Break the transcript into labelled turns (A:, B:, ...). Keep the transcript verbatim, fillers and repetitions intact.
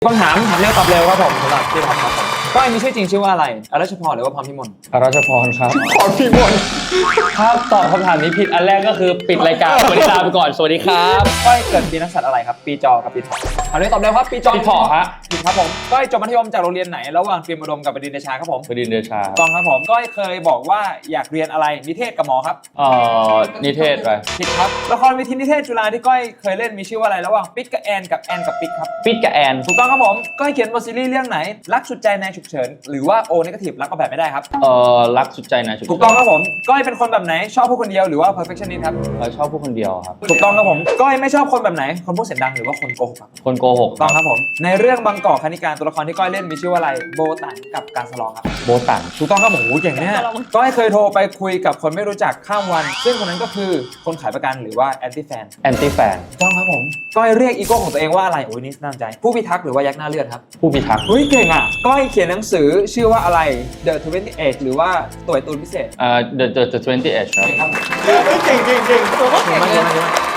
A: คำถามถามเร็วตอบเร็วครับผมสำหรับพี่ท็อปครับผมก้อยมีชื่อจริงชื่อว่าอะไรอรัชพรหรือว่าพรพิมล
B: อรัชพรครับ
A: พรพิมล
B: ถ้าตอบคำถามนี้ผิดอันแรกก็คือปิดรายการสวัสดีลาไปก่อนสวัสดีครับ
A: ก้อยเกิดปีนักสัตว์อะไรครับปีจอกับปีเถาะถามเร็วตอบเร็วครับปีจอ
B: ปีเถาะฮะ
A: ผิดครับผมก้อยจบมัธยมจากโรงเรียนไหนระหว่างเตรียมอุดมกับบดินทร์เดชาครับผม
B: บดินทร์เดชา
A: ต้องครับผมก้อยเคยบอกว่าอยากเรียนอะไรนิเทศกับหมอครับ
B: เอ่อนิเทศไป
A: ผิดครับละครเวทีนิเทศจุฬาที่ก้อยเคยเล่นมีชื่อว่าอะไรระหว่างปิ๊กกับแอนกับแอนกับปิ๊กครับ
B: ปิดกับแอน
A: ถูกต้องครับผมก้อยเขียนบทซีรีส์เรื่องไหนรักสุดใจในฉุกเฉินหรือว่าโอเนกาทีฟรักก็แบบไม่ได้ครับ
B: เอ่อรักสุดใจนะ
A: ถูกต้องครับผมก้อยเป็นคนแบบไหนชอบผู้คนเดียวหรือว่า perfectionist ครับ
B: เราชอบผู้คนเดียวครับ
A: ถูกต้องครับผมก้อยไม่ชอบคนแบบไหนคนพูดเสียงดังหรือว่าคนโกหกครับ
B: คนโกหก
A: ถูกต้องครับผมในเรื่องบางกอกคณิการตัวละครที่ก้อยเล่นมีชื่อว่าอะไรโบตันกับการสลองครับ
B: โบตัน
A: ถูกต้องครับผมโอ้โหเก่งเนี่ยก้อยเคยโทรไปคุยกับคนไม่รู้จักข้ามวัน ซึ่งคนนั้นก็คือคนขายประกันหรือว่าแอนตี้แฟน
B: แอนตี้แฟน
A: ถูกต้องครับผมก้อยเรียกอีโก้ของตัวเองว่าอะไรโอ้ยนี่น่าสนใจผู้พิทักษ์หรือว่ายักษ์หน้าเลือดครับ
B: ผู้พิทักษ์
A: เฮ้ยเก่งอ่ะก้อยเขียนหนังสือชื่อว่าอะไร The ยี่สิบแปดหรือว่าตัวไอ้ตูนพิเศษ
B: เอ่อ the the the twenty age ครับ
A: เก่งครับเก่งเก่งเก่งตัวก็เก่งเลย